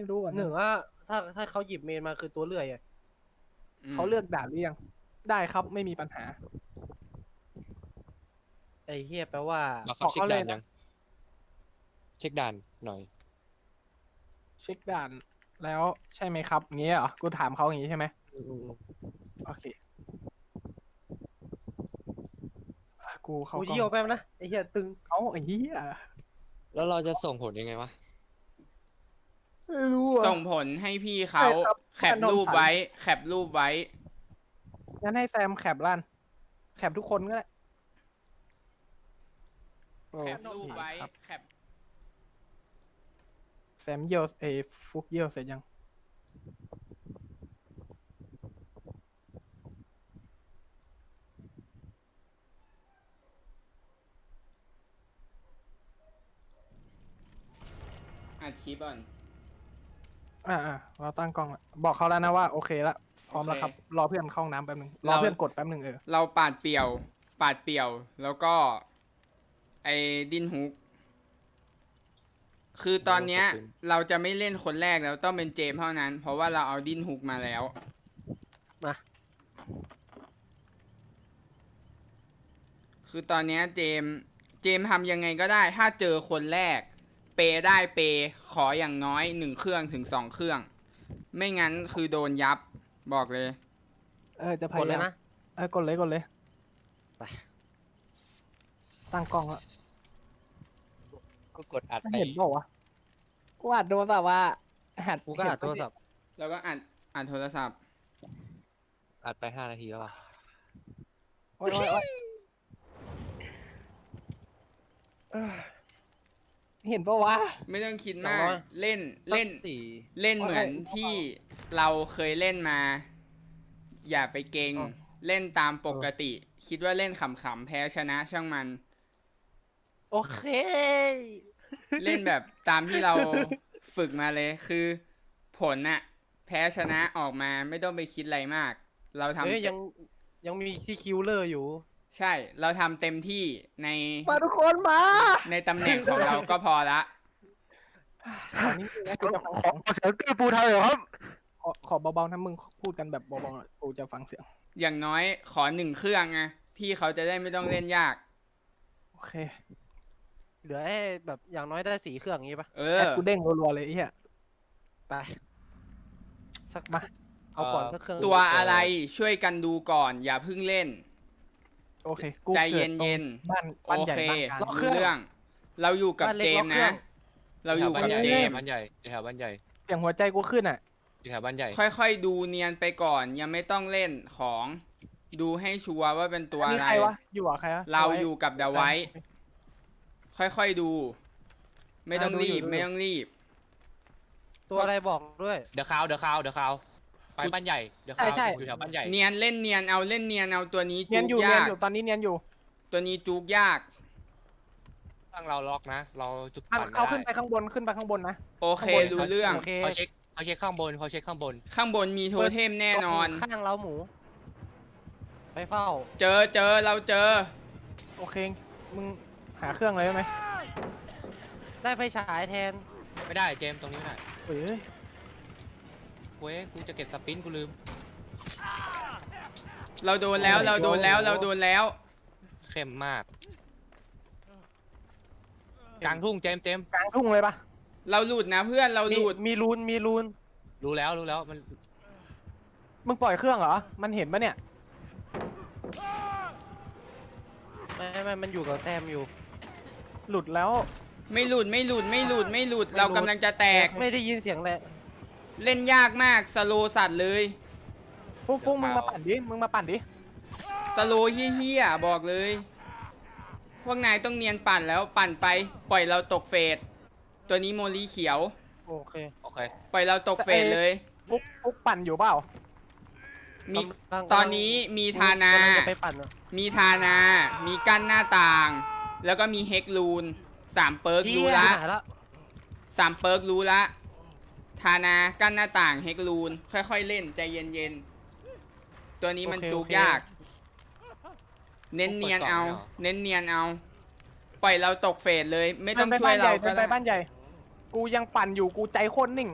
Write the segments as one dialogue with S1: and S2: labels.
S1: รู้อ่ะ
S2: หนึ่งว่าถ้าเขาหยิบเมนมาคือตัวเลื่อยอะ
S1: เขาเลือกด่านหรือยังได้ครับไม่มีปัญหา
S2: ไอ้เฮียแปลว่า
S3: เราเขาเช็ค
S1: บอกเขาเลย
S3: ด่าน
S1: นะ
S3: ยังเช็คด่านหน่อย
S1: เช็คด่านแล้วใช่ไหมครับอย่างเงี้ยเหรอกูถามเขาอย่างงี้ใช่ไหมโอเคกูเขา
S2: กู
S1: ก็
S2: เยี่ยวแป๊บนะไอ้เฮียตึง
S1: เอาไอ้เหี้ย
S3: แล้วเราจะส่งผลยังไงวะ
S1: ไม่รู้อ่ะ
S4: ส่งผลให้พี่เขา
S1: ใช่ครับ
S4: แคปรูปไว้ แคปรูปไว้
S1: งั้นให้แซมแคปลั่นแคปทุกคนก็ได้
S4: แคปรูปไว้
S1: ครับ
S4: แคป
S1: แซมเยี่ยวฟุกเยี่ยวเสร็จยัง
S4: อัดคลิปก่อน
S1: เราตั้งกล้องละบอกเขาแล้วนะว่าโอเคละพร้อมแล้วครับรอเพื่อนเข้าห้องน้ำแป๊บนึงรอเพื่อนกดแป๊บนึง
S4: เราปาดเปี่ยว แล้วก็ ไอ้ดินฮุก คือตอนเนี้ย เราจะไม่เล่นคนแรกแล้วต้องเป็นเจมส์เท่านั้น เพราะว่าเราเอาดินฮุกมาแล้ว
S2: มา
S4: คือตอนเนี้ยเจมส์ทำยังไงก็ได้ ถ้าเจอคนแรก เปได้เปขออย่างน้อย1 เครื่องถึง 2 เครื่อง ไม่งั้นคือโดนยับบอกเลย
S1: จะพ
S2: ก
S1: ยา
S2: ดเลย
S1: ยาม
S2: นะ
S1: กดเลย
S2: ไป
S1: ตั้งกล้องละ
S3: ก็กดอัด
S1: ไม่
S3: ไป
S1: เห็นบอกวะกูอัดโดนแบบว่าหัด
S2: กูก็อัดโทรศัพท์
S4: แล้วก็อัดโทรศัพท์
S3: อัดไป5 นาทีแล้วอ่ะ
S1: โอ๊ยเห็นปะวะ
S4: ไม่ต้องคิดมาก
S2: 200
S4: เล่น
S2: สักสี่
S4: เล่นเหมือนที่เราเคยเล่นมา อย่าไปเก่ง
S1: อ๋อ
S4: เล่นตามปกติ คิดว่าเล่นขำๆแพ้ชนะช่างมัน
S2: โอเค
S4: เล่นแบบตามที่เราฝึกมาเลยคือผลน่ะแพ้ชนะออกมาไม่ต้องไปคิดอะไรมาก เราทำ
S2: เฮ้ยยังมีที่คิวเลอร์อยู่
S4: ใช่เราทำเต็มที่ใน
S1: มาทุกคนมา
S4: ในตำแหน่งของเราก็พอละ
S1: ตอนนี้นะกูจะฟัง
S3: เสียงตีปูไทยเหรอครับ
S1: ขอเบาๆนะมึงพูดกันแบบเบาๆหน่อยกูจะฟังเสียง
S4: อย่างน้อยขอ1 เครื่องไงพี่เขาจะได้ไม่ต้องเล่นยาก
S1: โอเค
S2: เหลือให้แบบอย่างน้อยได้4 เครื่องงี้ปะ
S4: เอ
S1: แอ
S4: อ
S1: ดกูเด้งรัวๆเลยไอ้เหี้ย
S2: ไปสัก
S1: มา
S2: เอาก่อนสักเครื่อง
S4: ตัวอะไรช่วยกันดูก่อน อย่าเพิ่งเล่น
S1: โอเคกู
S4: ใจ
S1: กิดตรง
S4: เย็น
S1: บ้าน
S4: โอ
S1: บ้านใหญ่
S4: เค
S1: บ้านกลาง
S4: รู้เรื่อง เราอยู่กับเจมส์นะ เราอยู่กับเจมส์
S3: บ้านใหญ่แถวบ้านใหญ่
S1: เสียงหัวใจกูขึ้นอ่ะ
S3: อยู่แถวบ้านใหญ่
S4: ค่อยๆดูเนียนไปก่อน ยังไม่ต้องเล่นของดูให้ชัวร์ว่าเป็นตัว
S1: นี่
S4: อะไร
S1: ใครวะอยู่กับใครวะ
S4: เราอยู่กับเดาไว้ ค่อยๆดู ไม่ต้อง
S1: ดู
S4: รี
S1: อยู่
S4: บ
S1: ดูอยู่
S4: ไม่ต้องรีบ
S2: ตัวอะไรบอกด้วย
S3: เดี๋ยวข่าวไปบ้านใหญ่เดี๋ยวข่าวอยู่แถวบ้านใหญ่
S4: เนียนเล่นเนียนเอาเล่นเนียนเอาตัวนี้
S1: เนีย
S4: จุ
S1: น
S4: ก
S1: อยู่เนีย
S4: ยาน ก
S1: อยู่ตอนนี้เนียนอยู่
S4: ตัวนี้จุกยาก
S3: ตั้งเราล็อกนะ เราจุด
S1: อ่ะ
S3: ปั่น
S1: เขาขึ้นไป
S3: ได้
S1: ข้างบนนะ
S4: โอเค
S1: ข้างบน
S4: รู้เรื่อง
S2: โอเค
S3: เขาเช็คข้างบน
S4: ข้างบนมีโทเทมแน่นอน
S2: ข้างเราหมู ไปเฝ้า
S4: เจอเราเจอ
S1: โอเคมึงหาเครื่องเลยได้ไหม
S2: ได้ไฟฉายแทน
S3: ไม่ได้เจมส์ตรงนี้ไม่ได้
S1: เฮ้ย
S3: เว้ยกูจะเก็บสปินกูลืม
S4: เราโดนแล้วเราโดนแล้วเราโดนแล้ว
S3: เข้มมาก กลางทุ่งเจมส์
S1: กลางทุ่งเลยปะ
S4: เราหลุดนะเพื่อนเราหลุด
S2: มีรูน
S3: รู้แล้วมัน
S1: มึงปล่อยเครื่องเหรอมันเห็นปะเนี่ย
S2: ไม่มันอยู่กับแซมอยู่
S1: หลุดแล้ว
S4: ไม่หลุดเรากำลังจะแตก
S2: ไม่ได้ยินเสียงเลย
S4: เล่นยากมากสโลสัตว์เลย
S1: ฟุกมึงมาปั่นดิ
S4: สโลเฮี้ยๆบอกเลย พวกนายต้องเนียนปั่นแล้วปั่นไป ปล่อยเราตกเฟสตัวนี้โมลีเขียว
S2: โอเค
S3: โอเค
S4: ปล่อยเราตกเฟสเลย
S1: ฟุกปั่นอยู่เปล่า
S4: มี
S2: กำลัง
S4: ตอนนี้มีทานา
S2: กำลังจะไปปั่นอะ
S4: มีทานา มีกั้นหน้าต่าง แล้วก็มีเฮกลูน3 เปิร์กรู้ละ
S2: หายละ
S4: 3 เปิร์กรู้ละ ทานากั้นหน้าต่างเฮกลูนค่อยๆเล่นใจเย็นๆ ตัวนี้มันจูกยาก เน้นเนียนเอา ปล่อยเราตกเฟสเลย ไม่ต้องช่วยเราก็
S1: ไป
S4: ได้
S1: บ้านใหญ่ กูยังปั่นอยู่กูใจโคตรนิ่ง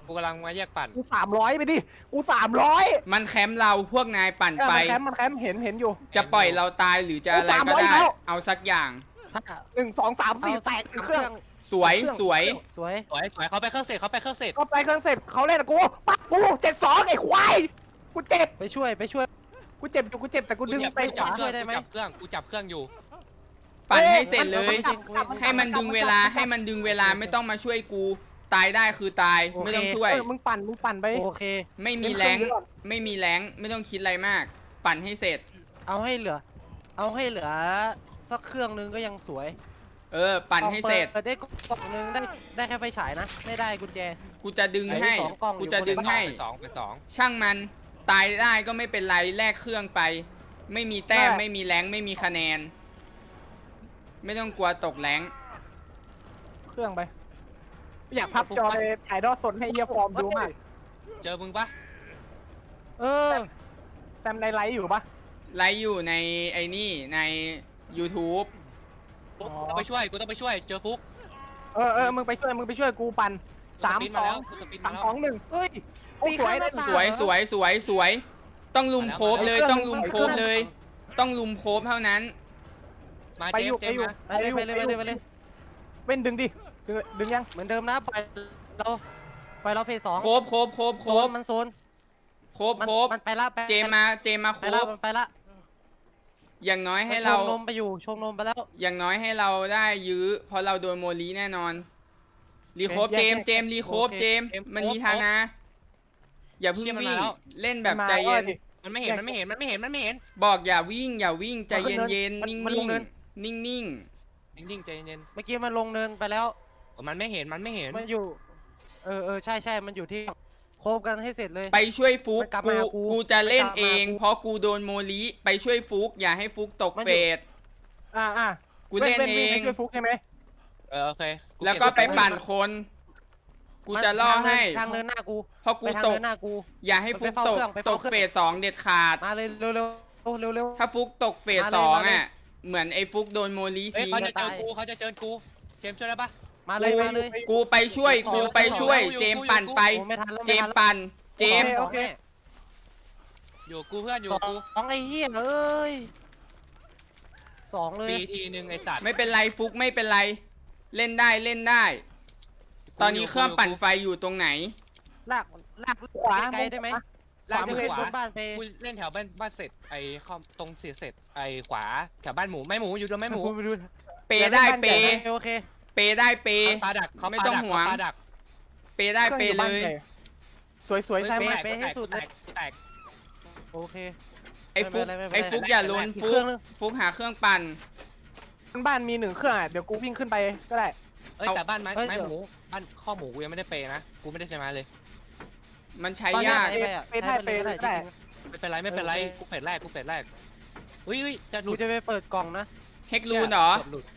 S3: กูกำลังมาแยกปั่น
S1: กู300ไปดิกู300
S4: มันแคมป์เราพวกนายปั่นไป
S1: มันแคมป์เห็นอยู่
S4: จะปล่อยเราตายหรือจะอะไรก็
S1: 300
S4: ได้
S1: แล้ว
S4: เอาสักอย่าง
S2: ถ้า
S1: 1 2 3 4แตกเครื่อง
S4: สวยสวย
S2: สวย
S3: สวยเขาไปเครื่องเสร็จเขาไปเครื่องเสร็จ
S1: ก็ไปเครื่องเสร็จเขาเล่นกับกูปักกู72ไอ้ควายกูเจ็บ
S2: ไปช่วย
S1: กูเจ็บอยู่กูเจ็บแต่กูดึงไปข
S3: จับ
S1: วา
S3: เครื่อง
S2: ได้ไหม
S3: กูจับเครื่องอยู่
S4: ปั่นให้เสร็จเลย
S1: มัน
S4: ให้มันดึงเวลาให้มันดึงเวลาไม่ต้องมาช่วยกูตายได้คือตายไม่ต้องช่วย
S1: มึงปั่นไป
S2: โอเค
S4: ไม่มีแรงไม่มีแรงไม่ต้องคิดอะไรมาก ปั่นให้เสร็จ
S2: เอาให้เหลือสักเครื่องนึงก็ยังสวย
S4: ปั่นให้เสร็จ
S2: ปิดได้กล่องนึงได้แค่ไฟฉายนะ ไม่ได้กุญแจ
S4: กูจะดึงให้
S2: ไอ้สองกล่องอยู่
S4: กูจะดึงให้
S3: ไปสอง
S4: ช่างมันตายได้ก็ไม่เป็นไรแลกเครื่องไป ไม่มีแต้มไม่มีแรงไม่มีคะแนน ไม่ต้องกลัวตกแรง
S1: เครื่องไป อยากพับจอไปถ่ายทอดสดให้เยียฟอร์มดูมาก
S3: เจอมึงปะ
S2: เออ
S1: แซมในไลฟ์อยู่ปะ
S4: ไลฟ์อยู่ในไอ้นี่ใน YouTube
S3: กูต้องไปช่วยเจอฟุก
S1: มึงไปช่วยกูปั่น3
S3: กูสปินมาแล้วกูสปินมาแล้ว
S1: 2 1
S2: เฮ้ย
S1: โอ้ยสวย
S4: สวยสวยสวยสวยต้องลุมโคบเลยต้องลุมโคบเลย ต้องลุมโคบเท่านั้น
S3: มา
S1: ไป
S3: เจ
S1: อ
S3: ม
S1: ยู่
S3: ส์เจ
S1: ไป
S3: ม
S1: อยู่
S3: ส์มา
S2: ไปเลย
S1: เว้นดึงดิดึงยัง
S2: เหมือนเดิมนะปล่อยเราเฟส2
S4: โคบโคบโคบโคบ
S2: มันโซน
S4: โคบโคบ
S2: มันไปละ
S4: เจมมาโค
S2: ไปละ
S4: บ
S2: มันไปละ
S4: อย่างน้อยให้
S2: ช
S4: เรา
S2: มนมไปอยู่ชมนมไปแล้ว
S4: อย่างน้อยให้เราได้ยื้อเพราะเราโดนโมลีแน่นอนรีโคบเจมรีโคบเจมมันมีทานะอย่าเพิ่งวิ่งเล่นแบบใจเย็น
S3: มันไม่เห็น
S4: บอกอย่าวิ่งใจเย็นๆนิ่งๆนิ่ง
S3: นิ่งๆใจเย็น
S2: เมื่อกี้มันลงเนินไปแล้ว
S3: มันไม่เห็น
S2: มันอยู่ใช่มันอยู่ที่โคบกันให้เสร็จเลย
S4: ๆไปช่วยฟุก
S2: มันกลับมาหากู
S4: กูจะเล่น
S2: มันกลับมา
S4: เอง
S2: กู
S4: เพราะกูโดนโมลีไปช่วยฟุกอย่าให้ฟุกตก
S2: มัน
S4: เฟ
S2: อยู่
S4: ส กูเล่นเอง
S1: ช่วยฟุกใช่ไหม
S3: โอเค
S4: แล้วก็ไปปั่นคน กูจะล่อให้
S2: ทางเดินหน้ากู
S4: เพราะกู
S2: ไปทาง
S4: ตก
S2: เดินหน้ากู
S4: อย่าให้ฟุกตก
S2: ไป
S4: ต
S2: เฝ้าก เครื่อง
S4: เฟสสองเด็ดขาด
S2: มาเลยเร็ว
S4: ถ้าฟุกตกเฟส
S2: มาเลย
S4: สอง
S2: มาเลย
S4: อ่ะเหมือนไอ้ฟุกโดนโมลี
S3: เฮ้ย
S4: ทิ้ง
S3: เขาจะเจอกูเจมส์ช่วยได้ปะ
S2: มาเลย
S4: กูไปช่วยเจมปั่นไป
S2: โอ้ไม่ทันแล้ว
S4: เจมปั่นเจม
S1: โอเค
S3: อยู่กูเพื่อนอยู่
S2: ส
S3: กู
S2: องไอ้เหี้ยเอ้ย2เลย
S3: ปีทีนึงไอสัตว์
S4: ไม่เป็นไรฟุกไม่เป็นไร เล่นได้ ตอนนี้เครื่องปั่นไฟอยู่ตรงไหน
S2: ลาก
S1: ขวา
S2: ไกลได้ไหม
S3: ลาก
S2: จะ
S3: ไป
S2: ขึ้น
S3: ข
S2: บ
S3: วาน
S2: บ้านไป
S3: กูเล่นแถวบ้านเสร็จไอ้ข้อตรงเสียเสร็จไอ้ขวาแถวบ้านหมูไม่หมูอยู่ตรงไม่หมู
S2: ไปดู
S4: เปได้เป
S2: โอเค
S4: เปได้เป
S3: ปลาดักเขา
S4: ไม่ต้องห่วง
S3: ปลาดัก
S4: เปได้เปเลย
S1: สวยๆแซม
S2: ไปให้สุดเลย
S3: แตก
S2: โอเค
S4: ไอ้ฟุก
S2: ไม่เป็นไร
S4: ไอ้ฟุกอย่าล้น
S2: อีก
S4: ฟุ
S2: เครื่
S4: ก
S2: องนึง
S4: ฟุกหาเครื่องปั่น
S1: บ้านมี1 เครื่องเดี๋ยวกูวิ่งขึ้นไปก็ได้
S3: เอ้ยแต่บ้านไม้หมูบ้านข้อหมูกูยังไม่ได้เปย์นะกูไม่ได้ใช้ไม้เลย
S4: มันใช้
S2: ตอนนี้
S4: ยาก
S2: ไปได้
S1: ได้
S3: ไม่เป็นไรกูเฟสแรกอุ้ยจะ
S2: จ
S3: หลุ
S2: กู
S3: ด
S2: จะไปเปิดกล่องนะ
S4: เฮกลูนเหรอ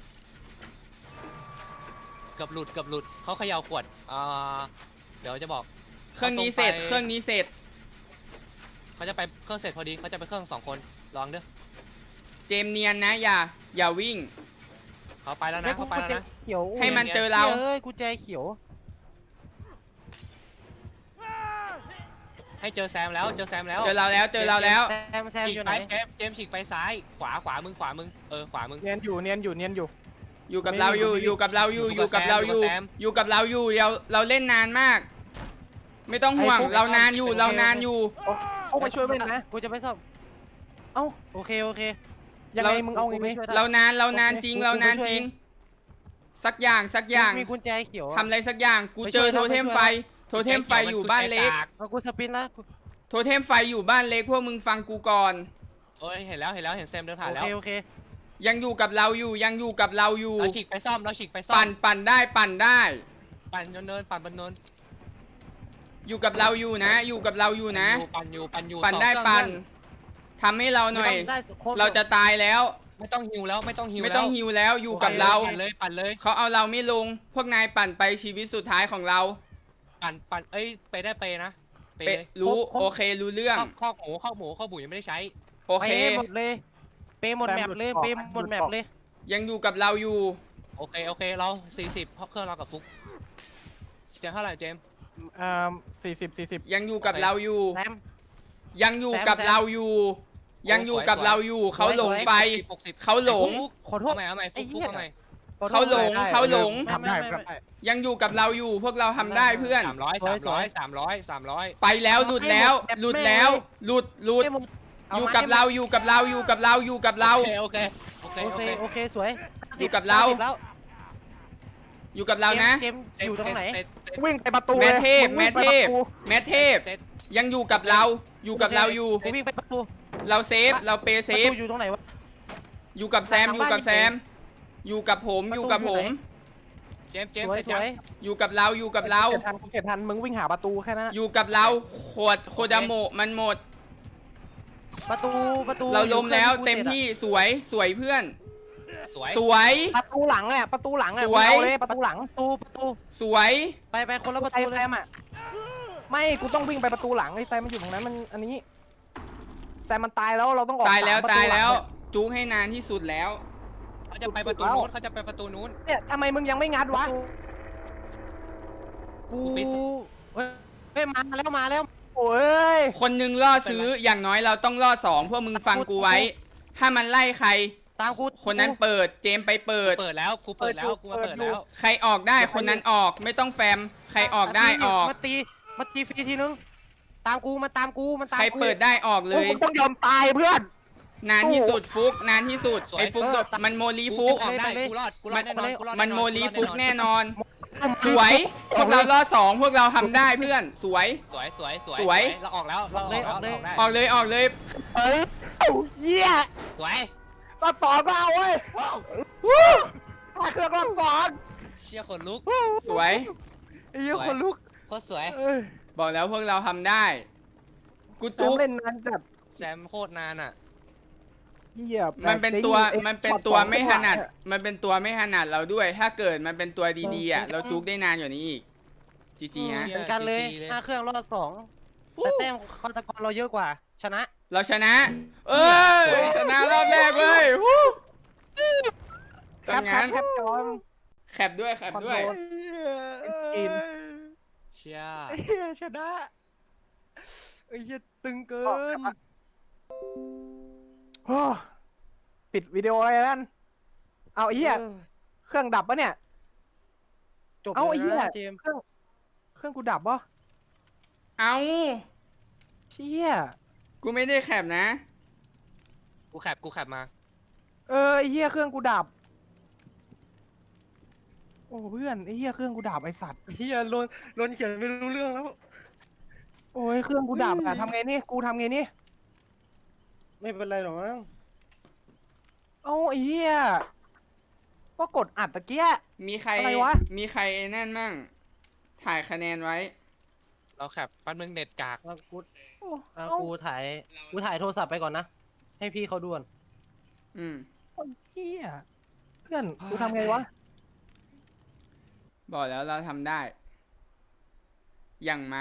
S3: เกือบหลุดเขาเขย่าขวดเดี๋ยวจะบอก
S4: เครื่องนี้เสร็จเครื่องนี้เสร็จ
S3: เขาจะไปเครื่องเสร็จพอดีเขาจะไปเครื่อง2 คนลองเด้อ
S4: เจมเนียนนะอย่าวิ่ง
S3: เขาไปแล้วนะ
S2: กู
S3: เขาไปแล้ว
S2: แจ
S3: นะ
S2: เขียว
S4: ให้มันเจอเรา
S2: เอ้ยกูแจเขียว
S3: ให้เจอแซมแล้ว
S4: เจอเราแล้ว
S2: แซม
S3: ฉีก
S2: อยู่
S3: ไป
S2: ไหน
S3: เจมฉีกไปซ้ายขวามึงขวามึงขวามึง
S1: เนียนอยู่
S4: อยู่กับเราอยู่กับเราอยู่กับเราอยู่เราเล่นนานมาก ไม่ต้องห่วงเรานานอยู่
S1: เขาไปช่วยเว้นนะ
S2: กูจะไปซ่อม
S1: เอ้า
S2: โอเค
S1: ยังไงมึงเอาไงนี่
S4: เรานานจริงสักอย่าง
S2: มีกุญแจเขียว
S4: ทำอะไรสักอย่างกูเจอโทเทมไฟอยู่บ้านเล็ก
S2: เอากูสปินแล้ว
S4: โทเทมไฟอยู่บ้านเล็กพวกมึงฟังกูก่อน
S3: เอ้ยเห็นแล้วเห็นแซมเดินผ่านแล้ว
S2: โอเค
S4: ยังอยู่กับเราอยู่
S3: เราฉีกไปซ่อม
S4: ปั่นได้
S3: ปั่นเนินปั่นบนเนิน
S4: อยู่กับเราอยู่นะ
S3: ปั่นอยู่
S4: ปั่นได้ทำให้เราหน่อย เราจะตายแล้ว
S3: ไม่ต้องฮิวแล้วไม่ต้องฮิว
S4: ไม่ต้องฮิวแล้วอยู่กับเรา
S3: ปั่นเลย
S4: เขาเอาเราไม่ลง พวกนายปั่นไปชีวิตสุดท้ายของเรา
S3: ปั่นเอ้ยไปได้ไปนะ
S4: เปรู้โอเครู้เรื่อง
S3: ข้าวหมูยังไม่ได้ใช้
S4: โอเค
S2: หมดเลยเปหมดแมปเลย
S4: ยังอยู่กับเราอยู่
S3: โอเคเรา40เพราะเครื่องเรากับฟุกเจมเท่าไหร่เจม
S1: 40
S4: ยังอยู่กับเราอยู่
S2: แซม
S4: ยังอยู่กับเราอยู่ ยังอยู่กับเราอยู่เขาหลงไป
S3: 60
S4: เขาหลง
S2: ขอโทษ
S3: เอาใหม่
S2: ไอ้
S3: ฟุ
S2: เหี้
S3: ก
S2: ย
S3: เอาใหม่
S2: ขอโทษ
S4: เขาหลง
S1: ได้
S4: เขาหลง
S1: ทำได้
S2: ไม่
S1: ทำได้
S4: ยังอยู่กับเราอยู่ พวกเราทำได้เพื่อน
S3: 300
S4: ไปแล้วหลุดแล้ว หลุดแล้ว หลุด
S2: ให้มึง
S4: อยู่กับเราอยู่กับเราอยู่กับเราอยู่กับเรา
S3: โอเค
S2: โอเคสวย
S4: อยู่กับเรา
S2: แล้ว
S4: อยู่กับเรานะ
S2: เจมส์อยู่ตรงไหน
S1: วิ่งไปประตู
S4: แม่
S1: เลย
S4: เทพ
S1: ง
S4: แม่
S1: วิ่งไป
S4: เท
S1: ประ
S4: พ
S1: ตู
S4: แม่เทพ ยังอยู่กับเรา อยู่กับเราอยู่
S2: กูวิ่งไปประตู
S4: เราเซฟ เราเปย์เซ
S2: ประ
S4: ฟ
S2: ตูอยู่ตรงไหนวะ
S4: อยู่กับแซม อยู่กับแซม อยู่กับผม อยู่กับผม
S3: เจมส์
S2: สวยสวย
S4: อยู่กับเรา อยู่กับเรา
S1: เก็บทันมึงวิ่งหาประตูแค่นั้น
S4: อยู่กับเราโคดาโมะมันหมด
S2: ประตู
S4: เราล้มแล้ว
S2: อยู่
S4: เต็มที่สวยสวยเพื่อน
S3: สวย
S4: สวย
S1: ประตูหลังอ่ะประตูหลังอ่ะ
S4: สวย
S1: มึงเอาเลยประตูหลัง
S2: ประตู
S4: สวย
S2: ไปคนละประ
S1: ไอ้
S2: ตู
S1: แซ
S2: เลย
S1: มอ่ะไม่กูต้องวิ่งไปประตูหลังไอ้แซมมันอยู่ตรงนั้นมันอันนี้แซมมันตายแล้วเราต้องออก
S4: ตายแล้ว
S1: 3ประ
S4: ตายแล้ว
S1: หงเนี่ย
S4: จุกให้นานที่สุดแล้ว
S3: เขาจะไปประตูนู้นเขาจะไปประตูนู้น
S1: เนี่ยทำไมมึงยังไม่งัดวะ
S2: กูเฮ้ยมาแล้ว
S1: โอ้ย
S4: คนหนึงล่อซื้ออย่างน้อยเราต้องล่อ2พวกมึงฟังกูไว้ ถ้ามันไล่ใคร
S2: ตามกู
S4: คนนั้นเปิดเจมไปเปิด
S3: เปิดแล้วกูเปิดแล้วกูมาเปิดแล้ว
S4: ใครออกได้คนนั้นออกไม่ต้องแฟม ใครออกได้ออก
S2: มาตีฟรีทีนึงตามกูมันตามกู
S4: ใครเปิดได้ออกเลย
S1: มึงต้องยอมตายเพื่อน
S4: นานที่สุดฟุกนานที่สุด
S3: สวย
S4: ไอ้ฟุกโดดมันโมลีฟุก
S3: ออกได้กูรอดแน่นอนกูรอด
S4: มันโมลีฟุกแน่นอน สวย พวกเราล่อ2พวกเราทำได้เพื่อน สวย
S3: สวยเราออกแล้วเราออกแล้วออกได้
S4: ออกเลยออกเลย
S1: เอ้ยเหี้ย
S3: สวย
S1: รอบสองก็เอาเว้ยถ้าเครื่องรอบสอง
S3: เชี่ยคนลุก
S4: สวย
S2: ไอ้เหี้ยคนลุก
S3: โคตรสวย
S4: บอกแล้วพวกเราทำได้ กู
S1: แซ
S4: จุ
S1: ม
S4: ก
S1: เล่นนานจัด
S3: แซมโคตรนานอ่ะ
S1: เหี้ย
S4: มันเป็นตัว
S1: ไอ้
S4: มันเป็น
S1: ช็อต
S4: ตัว
S1: สอง
S4: ไม่ถ
S1: จังหวะ
S4: นัด
S1: เนี่ย
S4: มันเป็นตัวไม่ถนัดเราด้วย ถ้าเกิดมันเป็นตัวดีๆอ่ะ เราจุกได้นานกว่านี้อีก จีจีฮะ
S2: เหมือนกันเลย
S3: GG เลย
S2: 5 เครื่องรอด2แต่แต้มฆาตกรเราเยอะกว่า ชนะ
S4: เราชนะ เอ้ย ชนะรอบแรกเว้ยวู้
S1: แค
S4: ทำ
S1: ป
S4: งาน
S1: แคปจอม
S4: แคปด้วยแคปด้วย
S1: คอนโทรล กิน
S3: เชี่ย
S2: ไอ้เหี้ยชนะไอ้เหี้ยตึงเกิน
S1: โอ้ปิดวิดีโออะไรนั่นเอาไอ้เหี้ยเครื่องดับปะเนี่ย
S2: จบ
S1: เอาไอ้
S2: เล
S1: เหี้
S2: ย
S1: ย
S2: นะเจมส์
S1: เครื่องกูดับปะ
S4: เอา
S1: เชี่ย
S4: กูไม่ได้แคปนะ
S3: กูแคปมา
S1: ไอ้เหี้ยเครื่องกูดับ โอ้เพื่อนไอ้เหี้ยเครื่องกูดับไอ้สัตว์
S2: เหี้ยโดนเขียนไม่รู้เรื่องแล้ว
S1: โอ้ยเครื่องกูดับอะทำไงนี่กูทำไงนี่
S2: ไม่เป็นไรหรอกมั้ง
S1: เอาไอ้เหี้ยก็กดอัดตะเกีย
S4: มีใคร
S1: อะไรวะ
S4: มีใครไอ้นั่นมั่ง ถ่ายคะแนนไว้
S3: เราแคปแป๊บนึงเน็ตกาก
S2: เอากู
S1: โอ้
S2: เอา
S1: เอา
S2: กูถ่ายโทรศัพท์ไปก่อนนะ ให้พี่เขาด่วน
S4: อืม
S1: ไอ้เหี้ยเพื่อนกูทำไงวะ
S4: บอกแล้วเราทำได้ อย่างมา